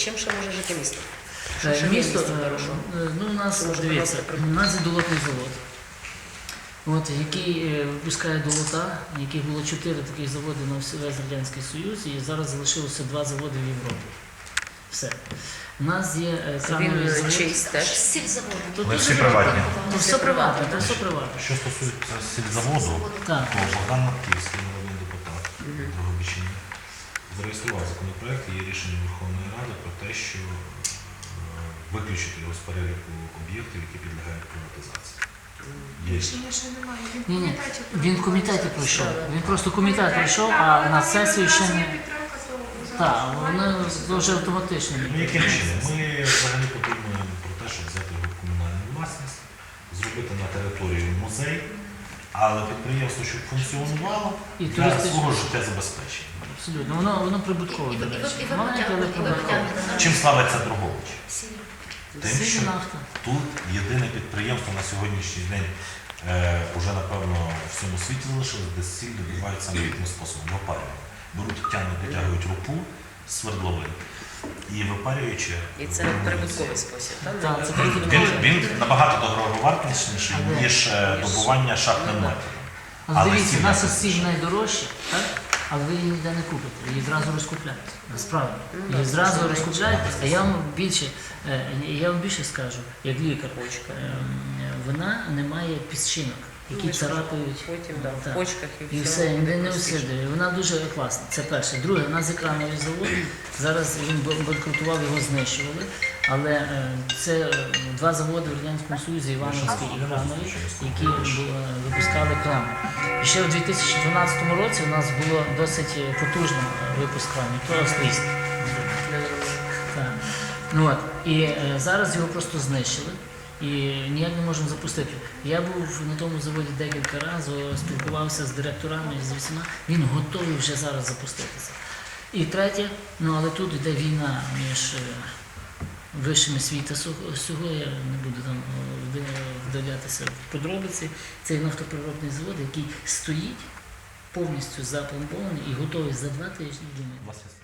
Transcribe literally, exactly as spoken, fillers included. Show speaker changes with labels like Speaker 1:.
Speaker 1: Чим ще може жити місто? Що
Speaker 2: Е,
Speaker 1: ще є
Speaker 2: Місто,
Speaker 1: місто
Speaker 2: е,
Speaker 1: хорошого?
Speaker 2: е, ну, у нас,
Speaker 1: Це може
Speaker 2: дивіться,
Speaker 1: приносити
Speaker 2: у нас є долотний завод, от, який е, випускає долота, яких було чотири таких заводи на весь Радянський Союз, і зараз залишилося два заводи в Європі. Все. У нас є е, крановий
Speaker 1: Він
Speaker 2: завод.
Speaker 1: чийсь теж?
Speaker 3: Сільзаводи.
Speaker 2: Тут
Speaker 4: Вони
Speaker 2: дуже
Speaker 4: всі
Speaker 2: багато.
Speaker 4: приватні.
Speaker 2: То все приватне, то все приватне.
Speaker 4: Що стосується сільзаводу,
Speaker 2: Так.
Speaker 4: то Богдан Матківський, народний депутат Дрогобичини, зареєстрував законопроект, є рішення Верховної Ради про те, що е, виключити його з переліку об'єктів, які підлягають приватизації. Є.
Speaker 3: Рішення ще немає. Він в
Speaker 2: Ні, ні,
Speaker 3: комітеті
Speaker 2: він в комітеті пройшов. Він просто комітет пройшов, а на сесію ще не. Так, воно дуже автоматично.
Speaker 4: Ну, яким чином? Ми взагалі подумаємо про те, щоб взяти його в комунальну власність, зробити на території музей, але підприємство, щоб функціонувало
Speaker 2: І
Speaker 4: для
Speaker 2: туристичне.
Speaker 4: свого життєзабезпечення.
Speaker 2: Абсолютно. Воно, воно прибуткове, до речі.
Speaker 3: І ви
Speaker 2: Маленьке, але прибуткове.
Speaker 4: Чим славиться Дрогобич? Тим, що
Speaker 2: Сильна нафта.
Speaker 4: тут єдине підприємство на сьогоднішній день е, уже, напевно, в всьому світі залишилось, де сіль добувають саме таким способом, випарювання. Беруть, тягнуть, дотягують рупу з свердловин і випарюючи.
Speaker 1: І це прибутковий спосіб, так?
Speaker 2: Так, це
Speaker 4: Він,
Speaker 2: прибуткове.
Speaker 4: він, він набагато дороговартісніший,
Speaker 2: Але-
Speaker 4: ніж е, добування шахтним
Speaker 2: Ну, да.
Speaker 4: методом.
Speaker 2: Але
Speaker 4: Але
Speaker 2: дивіться,
Speaker 4: сіль
Speaker 2: у нас
Speaker 4: не
Speaker 2: сіль найдорожча, так? Але ви її ніде не купите, її зразу розкупляють. Насправді. Її зразу розкупляють, а я вам більше, е, я вам більше скажу, як лікар, е, вона не має піщинок, які
Speaker 1: Ну,
Speaker 2: царапають.
Speaker 1: Потім, да, в
Speaker 2: Так.
Speaker 1: почках і
Speaker 2: І
Speaker 1: все.
Speaker 2: все, він не усидує. Вона дуже класна. Це перше. Друге, у нас є крановий завод. Зараз він б- банкрутував, його знищували. Але е, це е, два заводи в Радянському Союзі, Івановський і Крановий, які бу- е, випускали крани. І ще у дві тисячі дванадцятому році у нас було досить е, потужно е, випуск кранів, то австрійський. Так. Ну, от. І е, зараз його просто знищили. І ніяк не можемо запустити. Я був на тому заводі декілька разів, спілкувався з директорами, з усіма. Він готовий вже зараз запуститися. І третє, ну але тут йде війна між е, вищими світу всього, я не буду там е, вдалятися в подробиці. Це нафтопереробний завод, який стоїть повністю запломбований і готовий за два тижні.
Speaker 4: У вас є